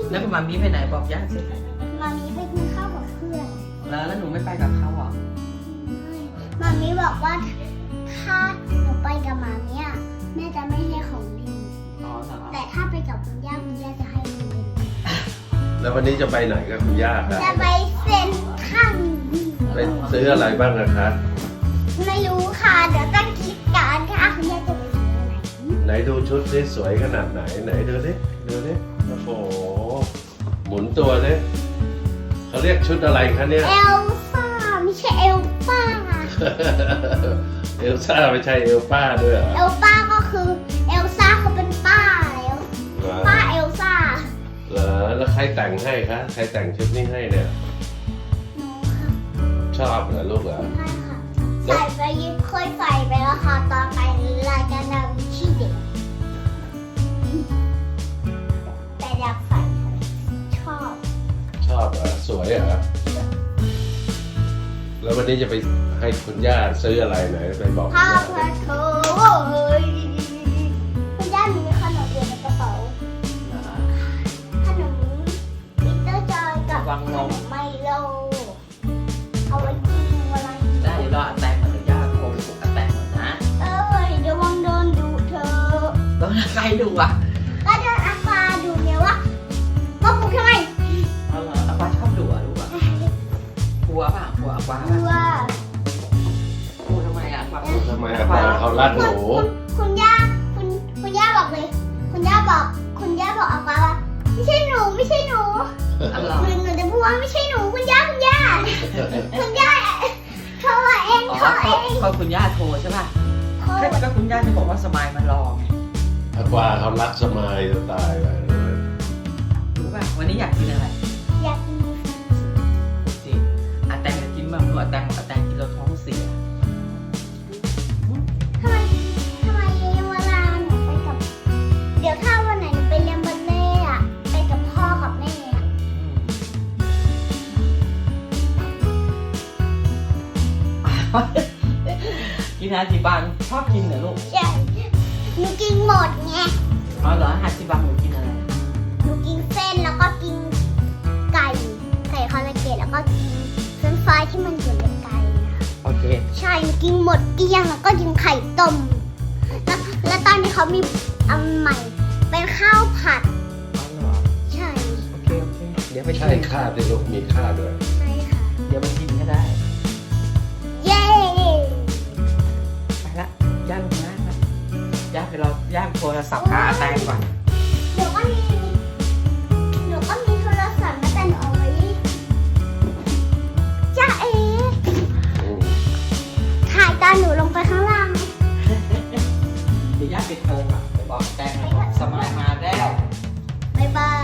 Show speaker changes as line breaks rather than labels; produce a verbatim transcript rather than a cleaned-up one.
แล้วมามีไปไหนบอกย่าสิ
มามีไปกินข้าวกับเพื่อน
แล้วแล้วหนูไม่ไปกับเขาหรอ
มามีบอกว่าถ้าหนูไปกับมามีอ่ะแม่จะไม่ให้ของเล่น
อ๋อเหรอ
แต่ถ้าไปกับคุณย่าคุณย่าจะให้ของเล่น
แล้ววันนี้จะไปไหนกับคุณย่าครับ
จะไปเซ็นทรัล
ไปซื้ออะไรบ้างนะคะ
ไม่รู้ค่ะเดี๋ยวต้องคิดกันค่ะคุณย่าจะไปซื้ออะไร
ไหนดูชุดนี่สวยขนาดไหนไหนดูดิดูดิโอ้โหหมุนตัวดิเขาเรียกชุดอะไรคะเนี่ย
เอลซ่าไม่ใช่เอลป้า
เอลซ่าไม่ใช่เอลป้าด้วยเหรอ
เอลป้าก็คือเอลซ่าเขาเป็นป้าแล้ว
เหรอ
ป้าเอลซ่า
เหรอแล้วใครแต่งให้คะใครแต่งชุดนี้ให้เนี่ย
หนูค่ะ
ชอบเหรอลูกเหรอ
ใช่ค่ะใส่ไปเคยใส่ไปแล้วค่ะตอนไปรายการดาวินชีเด็กแต่อยากใส่ชอบ
ชอบเหรอสวยเหรอแล้ววันนี้จะไปให้คุณย่าซื้ออะไรไหนไปบอกคุณ
ข้าว
ย่า
ผั
ดิ
ดโถเฮ้ยคุณย่ามีขนมอยู่ในกระเป๋า
เหรอ
ขนมมิเตอร์จอยกับ
วังนม
ไมโลเอาไว้กินอะไร
ได้เดี๋ยวรออาแตงก่อนเดี๋ยวย่าโทรไปปลุกอาแตงก่อนนะ
เอ้ยเดี๋ยววังโดนดูเธอ
แล้วใครดูอ่ะ
ก็โดนอาฟาดูเนี่ยว่าว่าปลุกทำไม
เอาเหรออาฟ้าชอบดูอ่ะลูกอ่ะกลัวป่ะกลัวอาฟ้า
ดู
ป่ะ
ว่า
กลัวทำไมอ่ะอาฟ้า
ทำไมอาปาเขารัดหนู
คุณคุณย่าคุณคุณย่าบอกเลย คุณย่าบอก คุณย่าบอกอาฟาว่าไม่ใช่หนูไม่ใช่หนู
อ๋อเหรอ
หนูหนูจะพูดว่าไม่ใช่หนูคุณย่าคุณย่าคุณย่าโทรเอง
อ๋อ
โทรเอ
เขา
ง
เขาคุณย่าโทรใช่ป่ะ
โทร
ก็คุณย่าจะบอกว่าสมายมันรอไง
อากวาเขารักสมายจะตายไป
รู้ป่ะวันนี้อยากกินอะไร
อยากกิน
สิอาแตงจะกินบ้างหนูอาแตงบอกอาแตงกินแล้วท้องเสีย
ทำไมทำไมเวลาหนูไปกับ เดี๋ยวถ้าวันไหนหนูไปเรียนบัลเล่ต์อะไปกับพ่อกับแม่อะ
กินอาจิบังชอบกินเหรอลูก
ใช่หนูกินหมดไง
อ๋อเหรออาจิบังหนูกินอะไร
หนูกินเส้นแล้วก็กินไก่ไก่คาราเกะแล้วก็กินเฟรนช์ฟรายที่มันอยู่ในไก่นะ
โอเค
ใช่หนูกินหมดเกลี้ยงแล้วก็กินไข่ต้มแล้วแล้วตอนนี้เขามีอันใหม่ เป็นข้าวผัด
อ๋อเหรอ
ใช่
โอเคโอเคเดี๋ยวไป
ใช่
ชิม
ค่าที่ลูกมีค่าด้วย
ใช่ค่ะ
เดี๋ยวไปชิมก็ได้
เย้
ไปละย่างนะย่างเดี๋ยวเราย่างโทรศัพท์หาอาแตงก่อน
เดี๋ยวก็มีเดี๋ยวก็มีโทรศัพท์มาแต่หนูเอาไว้จ้าเอ๋
อืม
ถ่ายตอนหนูลงไปข้างล่าง
เดี๋ยวย่างปิดโทรอ่ะไปบอกอาแตงบอกสมายมาแล้ว
บ๊ายบาย